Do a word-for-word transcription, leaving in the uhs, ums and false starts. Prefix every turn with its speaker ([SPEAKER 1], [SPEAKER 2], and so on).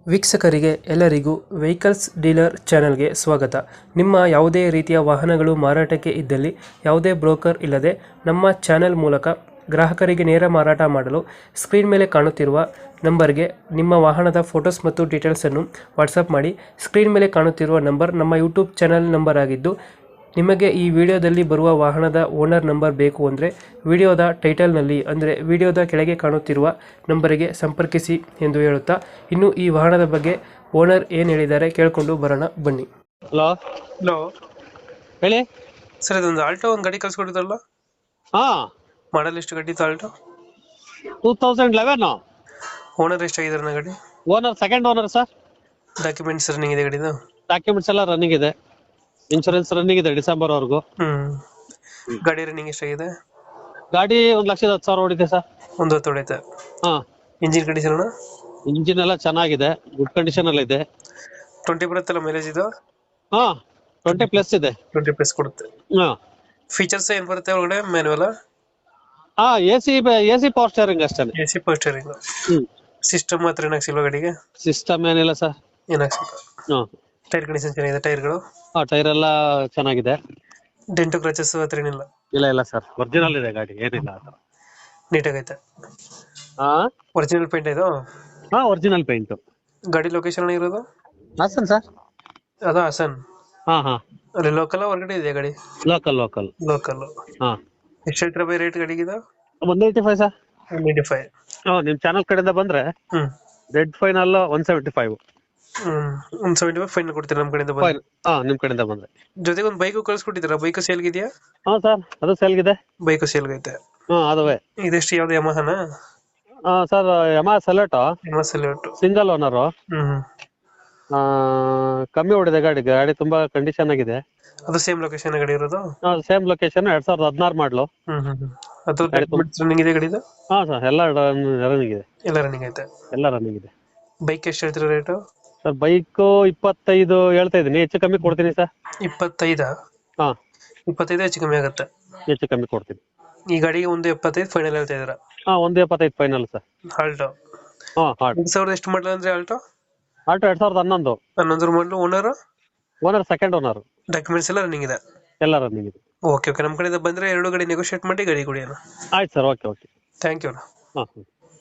[SPEAKER 1] ವೀಕ್ಷಕರಿಗೆ ಎಲ್ಲರಿಗೂ vehicles dealer ಚಾನೆಲ್ಗೆ ಸ್ವಾಗತ. ನಿಮ್ಮ ಯಾವುದೇ ರೀತಿಯ ವಾಹನಗಳು ಮಾರಾಟಕ್ಕೆ ಇದ್ದಲ್ಲಿ ಯಾವುದೇ ಬ್ರೋಕರ್ ಇಲ್ಲದೆ ನಮ್ಮ ಚಾನೆಲ್ ಮೂಲಕ ಗ್ರಾಹಕರಿಗೆ ನೇರ ಮಾರಾಟ ಮಾಡಲು ಸ್ಕ್ರೀನ್ ಮೇಲೆ ಕಾಣುತ್ತಿರುವ ನಂಬರ್ಗೆ ನಿಮ್ಮ ವಾಹನದ ಫೋಟೋಸ್ ಮತ್ತು ಡೀಟೇಲ್ಸನ್ನು ವಾಟ್ಸಪ್ ಮಾಡಿ. ಸ್ಕ್ರೀನ್ ಮೇಲೆ ಕಾಣುತ್ತಿರುವ ನಂಬರ್ ನಮ್ಮ ಯೂಟ್ಯೂಬ್ ಚಾನೆಲ್ ನಂಬರ್ ಆಗಿದ್ದು, ನಿಮಗೆ ಈ ವಿಡಿಯೋದಲ್ಲಿ ಬರುವ ವಾಹನದ ಓನರ್ ನಂಬರ್ ಬೇಕು ಅಂದರೆ ವಿಡಿಯೋದ ಟೈಟಲ್ನಲ್ಲಿ ಅಂದರೆ ವಿಡಿಯೋದ ಕೆಳಗೆ ಕಾಣುತ್ತಿರುವ ನಂಬರಿಗೆ ಸಂಪರ್ಕಿಸಿ ಎಂದು ಹೇಳುತ್ತಾ, ಇನ್ನು ಈ ವಾಹನದ ಬಗ್ಗೆ ಓನರ್ ಏನು ಹೇಳಿದ್ದಾರೆ ಕೇಳಿಕೊಂಡು ಬರೋಣ ಬನ್ನಿ.
[SPEAKER 2] ಹಲೋ
[SPEAKER 1] ಹಲೋ
[SPEAKER 2] ಹೇಳಿ
[SPEAKER 1] ಸರ್, ಇದೊಂದು ಆಲ್ಟೋ ಒಂದು ಗಾಡಿ ಕಳ್ಸಿಕೊಟ್ಟಿದ್ರಲ್ಲ,
[SPEAKER 2] ಹಾ
[SPEAKER 1] ಮಾಡಲ್ ಎಷ್ಟು ಗಾಡಿ Alto?
[SPEAKER 2] Two thousand eleven
[SPEAKER 1] owner ಎಷ್ಟಾಗಿದ್ದಾರೆ ನನ್ನ ಗಾಡಿ?
[SPEAKER 2] Owner second owner sir.
[SPEAKER 1] Documents running ಇದೆ ಗಾಡಿದು?
[SPEAKER 2] ಡಾಕ್ಯುಮೆಂಟ್ಸ್ ಎಲ್ಲ ರನ್ನಿಂಗ್ ಇದೆ, ಇನ್ಶೂರೆನ್ಸ್ ರನ್ನಿಂಗ್ ಇದೆ ಡಿಸೆಂಬರ್ ವರೆಗೂ.
[SPEAKER 1] ಹ್ಮ್ ಗಾಡಿ ರನ್ನಿಂಗ್ ಎಷ್ಟಾಗಿದೆ?
[SPEAKER 2] ಗಾಡಿ ಒಂದ್ ಲಕ್ಷದ ಹತ್ತು ಸಾವಿರ ಓಡಿದೆ ಸರ್.
[SPEAKER 1] ಒಂದು ಹೊತ್ತು ಹೊಡೆಯುತ್ತೆ.
[SPEAKER 2] ಹಾ
[SPEAKER 1] ಇಂಜಿನ್ ಕಂಡೀಷನ್ ಅಣ್ಣ?
[SPEAKER 2] ಇಂಜಿನ್ ಎಲ್ಲ ಚೆನ್ನಾಗಿದೆ, ಗುಡ್ ಕಂಡೀಷನ್ ಅಲ್ಲಿ ಇದೆ.
[SPEAKER 1] ಟ್ವೆಂಟಿ ಬರುತ್ತಲ್ಲ ಮೈಲೇಜ್ ಇದು?
[SPEAKER 2] ಹಾ ಟ್ವೆಂಟಿ ಪ್ಲಸ್ ಇದೆ.
[SPEAKER 1] ಟ್ವೆಂಟಿ ಪ್ಲಸ್ ಕೊಡುತ್ತೆ.
[SPEAKER 2] ಹಾ
[SPEAKER 1] ಫೀಚರ್ಸ್ ಏನ್ ಬರುತ್ತೆ ಒಳಗಡೆ? ಮ್ಯಾನುವಲ್?
[SPEAKER 2] ಹಾ A C A C power steering ಅಷ್ಟೇ.
[SPEAKER 1] A C power steering.
[SPEAKER 2] ಹ್ಮ್
[SPEAKER 1] ಸಿಸ್ಟಮ್ ಮಾತ್ರ ಏನಾಗ್ಸಿಲ್ವಾ ಗಾಡಿಗೆ?
[SPEAKER 2] ಸಿಸ್ಟಮ್ ಏನಿಲ್ಲ ಸರ್.
[SPEAKER 1] ಏನಾಗ್ಸಿಲ್ಲ.
[SPEAKER 2] ಹಾ
[SPEAKER 1] ಟೈರ್ ಕಂಡೀಷನ್ ಚೆನ್ನಾಗಿದೆ? ಟೈರ್ಗಳು
[SPEAKER 2] ಹಾ ಟೈರ್ ಎಲ್ಲ ಚೆನ್ನಾಗಿದೆ.
[SPEAKER 1] ಡೆಂಟು ಕ್ರಚಸ್ ಹತ್ರ ಏನಿಲ್ಲ?
[SPEAKER 2] ಇಲ್ಲ ಇಲ್ಲ ಸರ್, ಒರಿಜಿನಲ್ ಇದೆ ಗಾಡಿ, ಏನಿಲ್ಲ ಆ ಥರ.
[SPEAKER 1] ನೀಟಾಗೈತೆ?
[SPEAKER 2] ಹಾ
[SPEAKER 1] ಒರಿಜಿನಲ್ ಪೇಂಟ್ ಇದು?
[SPEAKER 2] ಹಾ ಒರಿಜಿನಲ್ ಪೇಂಟ್.
[SPEAKER 1] ಗಾಡಿ ಲೊಕೇಶನ್ ಇರೋದು?
[SPEAKER 2] ಹಾಸನ್ ಸರ್.
[SPEAKER 1] ಅದು ಹಾಸನ್?
[SPEAKER 2] ಹಾ ಹಾ
[SPEAKER 1] ಅಲ್ಲಿ ಲೋಕಲ್ ಹೊರಗಡೆ ಇದೆಯಾ ಗಾಡಿ?
[SPEAKER 2] Local local
[SPEAKER 1] local.
[SPEAKER 2] ಹಾ
[SPEAKER 1] ಎಷ್ಟು ಹೇಳ್ತೀರಾ ಬೈ ರೇಟ್ ಗಾಡಿಗಿದು?
[SPEAKER 2] One eighty five sir.
[SPEAKER 1] One eighty five.
[SPEAKER 2] ಹ್ಮ್ ನಿಮ್ ಚಾನಲ್ ಕಡೆಯಿಂದ ಬಂದ್ರೆ
[SPEAKER 1] ಹ್ಮ್
[SPEAKER 2] rate final one seventy five.
[SPEAKER 1] ಹ್ಮ್ ಒನ್ ಸೆವೆಂಟಿ ಫೈವ್ ಫೈನ್ ಕೊಡ್ತೀರಾ ನಮ್ಮ ಕಡೆಯಿಂದ ಬಂದ್ರೆ?
[SPEAKER 2] ಹಾ ನಿಮ್ ಕಡೆಯಿಂದ ಬಂದ್ರೆ.
[SPEAKER 1] ಜೊತೆಗೆ ಒಂದು ಬೈಕು ಕಳ್ಸಿಕೊಟ್ಟಿದ್ದೀರಾ, ಬೈಕು ಸೇಲ್ಗಿದೆಯಾ?
[SPEAKER 2] ಹಾ ಸರ್, ಅದು ಸೇಲ್ಗಿದೆ.
[SPEAKER 1] ಬೈಕು ಸೇಲ್ಗೈತೆ?
[SPEAKER 2] ಹಾ ಅದುವೇ.
[SPEAKER 1] ಇದೆಷ್ಟು, ಯಾವ್ದು ಯಮಹನ?
[SPEAKER 2] ಹಾ sir, Yamaha Saluto
[SPEAKER 1] Yamaha Saluto.
[SPEAKER 2] Single owner.
[SPEAKER 1] ಹ್ಮ್
[SPEAKER 2] ಕಮ್ಮಿ ಓಡಿದೆ ಗಾಡಿ, ಗಾಡಿ ತುಂಬಾ ಕಂಡೀಷನ್ ಆಗಿದೆ.
[SPEAKER 1] ಅದು ಸೇಮ್ ಲೊಕೇಶನ್ ಗಾಡಿ ಇರೋದು?
[SPEAKER 2] ಸೇಮ್ ಲೊಕೇಶನ್, ಎರಡ್ ಸಾವಿರದ ಹದಿನಾರು ಮಾಡ್ಲು.
[SPEAKER 1] ಹ್ಮ್ ಹ್ಮ್ ಹ್ಮ್ ಅದು ರನ್ನಿಂಗ್ ಇದೆ ಗಾಡಿದು?
[SPEAKER 2] ಹಾ ಸರ್, ಎಲ್ಲ ರನ್ನಿಂಗ್ ಇದೆ.
[SPEAKER 1] ಎಲ್ಲ ರನ್ನಿಂಗ್ ಐತೆ?
[SPEAKER 2] ಎಲ್ಲ ರನ್ನಿಂಗ್ ಇದೆ.
[SPEAKER 1] ಬೈಕ್ ಎಷ್ಟು ಹೇಳ್ತೀರಾ ರೇಟು?
[SPEAKER 2] ಸರ್ ಬೈಕ್ ಇಪ್ಪತ್ತೈದು ಹೇಳ್ತಾ ಇದೀನಿ, ಹೆಚ್ಚು ಕಮ್ಮಿ ಕೊಡ್ತೀನಿ ಸರ್.
[SPEAKER 1] ಇಪ್ಪತ್ತೈದ?
[SPEAKER 2] ಹಾ
[SPEAKER 1] ಇಪ್ಪತ್ತೈದು ಹೆಚ್ಚು ಕಮ್ಮಿ ಆಗುತ್ತೆ?
[SPEAKER 2] ಹೆಚ್ಚು ಕಮ್ಮಿ ಕೊಡ್ತೀನಿ.
[SPEAKER 1] ಈ ಗಾಡಿಗೆ ಒಂದು ಎಪ್ಪತ್ತೈದು ಫೈನಲ್ ಹೇಳ್ತಾ ಇದ್ದೀರಾ?
[SPEAKER 2] ಹಾ ಒಂದು ಎಪ್ಪತ್ತೈದು ಫೈನಲ್ ಸರ್.
[SPEAKER 1] ಆಲ್ಟೋ?
[SPEAKER 2] ಹಾ ಹಾಟ್
[SPEAKER 1] ಎರಡ್ ಸಾವಿರದ ಎಷ್ಟು ಮಾಡಲ್ ಅಂದ್ರೆ ಆಲ್ಟೋ?
[SPEAKER 2] ಆಲ್ಟೋ ಎರಡ್ ಸಾವಿರದ ಹನ್ನೊಂದು.
[SPEAKER 1] ಹನ್ನೊಂದರ ಮಾಡಲು. Owner?
[SPEAKER 2] Owner second owner.
[SPEAKER 1] Documents ಎಲ್ಲ ರನ್ನಿಂಗ್ ಇದೆ?
[SPEAKER 2] ಎಲ್ಲ ರನ್ನಿಂಗ್ ಇದೆ.
[SPEAKER 1] ಓಕೆ ಓಕೆ, ನಮ್ಮ ಕಡೆಯಿಂದ ಬಂದ್ರೆ ಎರಡು ಗಾಡಿ ನೆಗೋಷಿಯೇಟ್ ಮಾಡಿ ಗಾಡಿ ಕೊಡಿ ಅಣ್ಣ.
[SPEAKER 2] ಆಯ್ತು sir, okay okay.
[SPEAKER 1] Thank you ಅಣ್ಣ.
[SPEAKER 2] ಹಾಂ.